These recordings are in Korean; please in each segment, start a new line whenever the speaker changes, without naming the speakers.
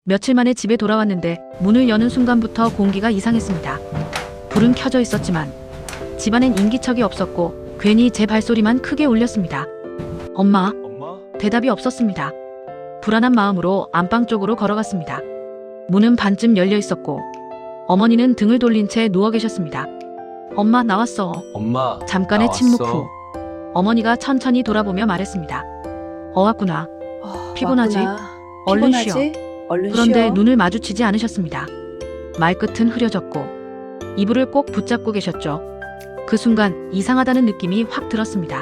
며칠 만에 집에 돌아왔는데 문을 여는 순간부터 공기가 이상했습니다. 불은 켜져 있었지만 집안엔 인기척이 없었고 괜히 제 발소리만 크게 울렸습니다. 엄마? 대답이 없었습니다. 불안한 마음으로 안방 쪽으로 걸어갔습니다. 문은 반쯤 열려 있었고 어머니는 등을 돌린 채 누워 계셨습니다. 엄마, 나왔어.
엄마,
잠깐의
나왔어.
침묵 후 어머니가 천천히 돌아보며 말했습니다. 왔구나. 피곤하지? 얼른 쉬어.
얼른
그런데
쉬어.
눈을 마주치지 않으셨습니다. 말끝은 흐려졌고 이불을 꼭 붙잡고 계셨죠. 그 순간 이상하다는 느낌이 확 들었습니다.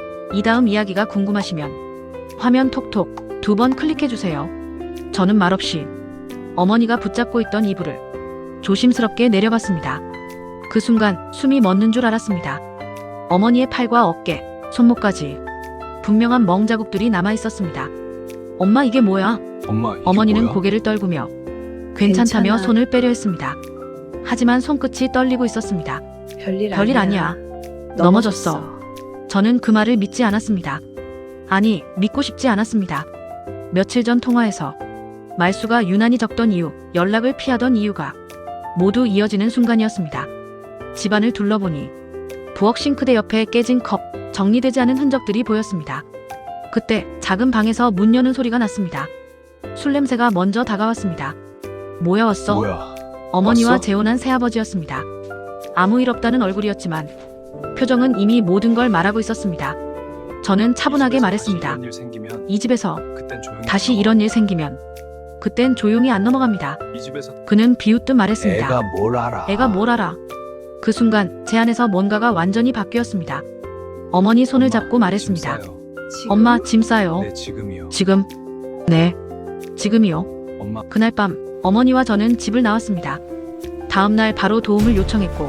이 다음 이야기가 궁금하시면 화면 톡톡 2번 클릭해주세요. 저는 말없이 어머니가 붙잡고 있던 이불을 조심스럽게 내려봤습니다. 그 순간 숨이 멎는 줄 알았습니다. 어머니의 팔과 어깨, 손목까지 분명한 멍 자국들이 남아있었습니다. 엄마, 이게 뭐야?
엄마, 이게
어머니는
뭐야?
고개를 떨구며 괜찮다며
괜찮아.
손을 빼려 했습니다. 하지만 손끝이 떨리고 있었습니다. 별일 아니야. 넘어졌어. 저는 그 말을 믿지 않았습니다. 아니, 믿고 싶지 않았습니다. 며칠 전 통화에서 말수가 유난히 적던 이유, 연락을 피하던 이유가 모두 이어지는 순간이었습니다. 집안을 둘러보니 부엌 싱크대 옆에 깨진 컵, 정리되지 않은 흔적들이 보였습니다. 그때 작은 방에서 문 여는 소리가 났습니다. 술 냄새가 먼저 다가왔습니다. 뭐야, 왔어?
뭐야?
어머니와
왔어?
재혼한 새아버지였습니다. 아무 일 없다는 얼굴이었지만 표정은 이미 모든 걸 말하고 있었습니다. 저는 차분하게
이 집에서
말했습니다.
다시 이런 일 생기면
이 집에서
그땐 조용히
다시
넘어가.
이런 일 생기면 그땐 조용히 안 넘어갑니다.
이 집에서
그는 비웃듯 말했습니다.
애가 뭘 알아?
애가 뭘 알아? 그 순간 제 안에서 뭔가가 완전히 바뀌었습니다. 어머니 손을
엄마,
잡고 말했습니다.
짐 싸요.
엄마, 짐 싸요.
네, 지금이요.
지금? 네, 지금이요.
엄마,
그날 밤 어머니와 저는 집을 나왔습니다. 다음 날 바로 도움을 요청했고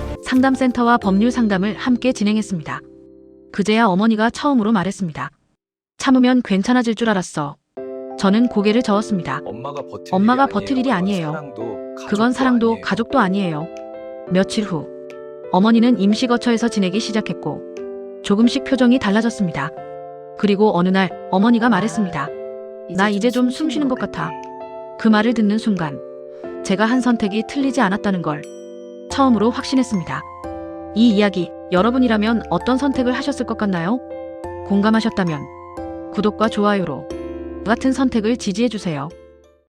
상담센터와 법률 상담을 함께 진행했습니다. 그제야 어머니가 처음으로 말했습니다. 참으면 괜찮아질 줄 알았어. 저는 고개를 저었습니다.
엄마가
버틸 일이 아니에요.
사랑도,
그건 사랑도
아니에요.
가족도 아니에요. 며칠 후 어머니는 임시거처에서 지내기 시작했고 조금씩 표정이 달라졌습니다. 그리고 어느 날 어머니가 말했습니다. 나 이제 좀 숨 쉬는 것 같아. 그 말을 듣는 순간 제가 한 선택이 틀리지 않았다는 걸 처음으로 확신했습니다. 이 이야기 여러분이라면 어떤 선택을 하셨을 것 같나요? 공감하셨다면 구독과 좋아요로 같은 선택을 지지해주세요.